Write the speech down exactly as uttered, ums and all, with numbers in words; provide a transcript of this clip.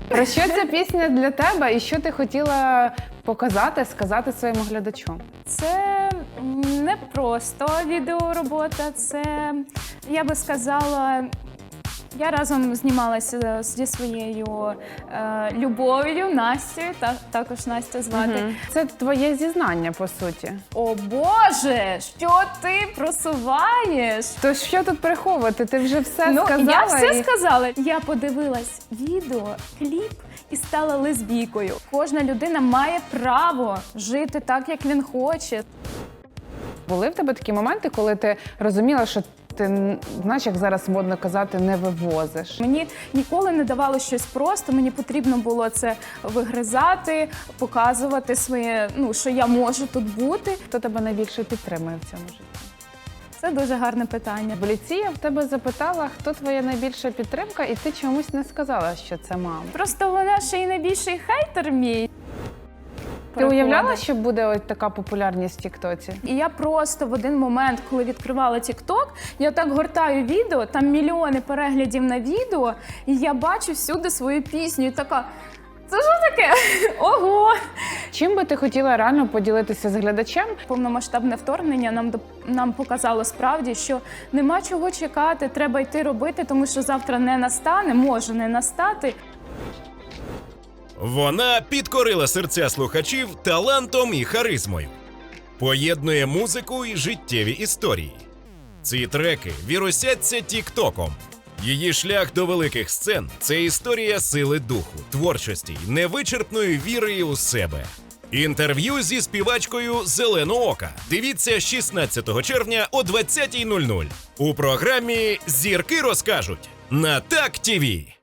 Про що ця пісня для тебе і що ти хотіла показати, сказати своєму глядачу? Це не просто відеоробота, це, я би сказала, я разом знімалася зі своєю е, любов'ю, Настею, та, також Настя звати. Угу. Це твоє зізнання, по суті. О Боже, що ти просуваєш? То що тут приховувати? Ти вже все Ну, сказала. я все і... сказала. Я подивилась відео, кліп і стала лесбійкою. Кожна людина має право жити так, як він хоче. Були в тебе такі моменти, коли ти розуміла, що ти, знаєш, як зараз модно казати, не вивозиш? Мені ніколи не давало щось просто, мені потрібно було це вигризати, показувати своє, ну, що я можу тут бути. Хто тебе найбільше підтримує в цьому житті? Це дуже гарне питання. В ліці я в тебе запитала, хто твоя найбільша підтримка, і ти чомусь не сказала, що це мама. Просто вона ще й найбільший хейтер мій. Ти уявляла, що буде ось така популярність в Тіктоці? І я просто в один момент, коли відкривала Тікток, я так гортаю відео, там мільйони переглядів на відео, і я бачу всюди свою пісню, і така, це що таке? Ого! Чим би ти хотіла реально поділитися з глядачем? Повномасштабне вторгнення нам, доп- нам показало справді, що нема чого чекати, треба йти робити, тому що завтра не настане, може не настати. Вона підкорила серця слухачів талантом і харизмою. Поєднує музику і життєві історії. Ці треки вірусяться тіктоком. Її шлях до великих сцен – це історія сили духу, творчості й невичерпної віри у себе. Інтерв'ю зі співачкою «Зеленоока» дивіться шістнадцятого червня о двадцятій нуль нуль у програмі «Зірки розкажуть» на Так ТІВІ.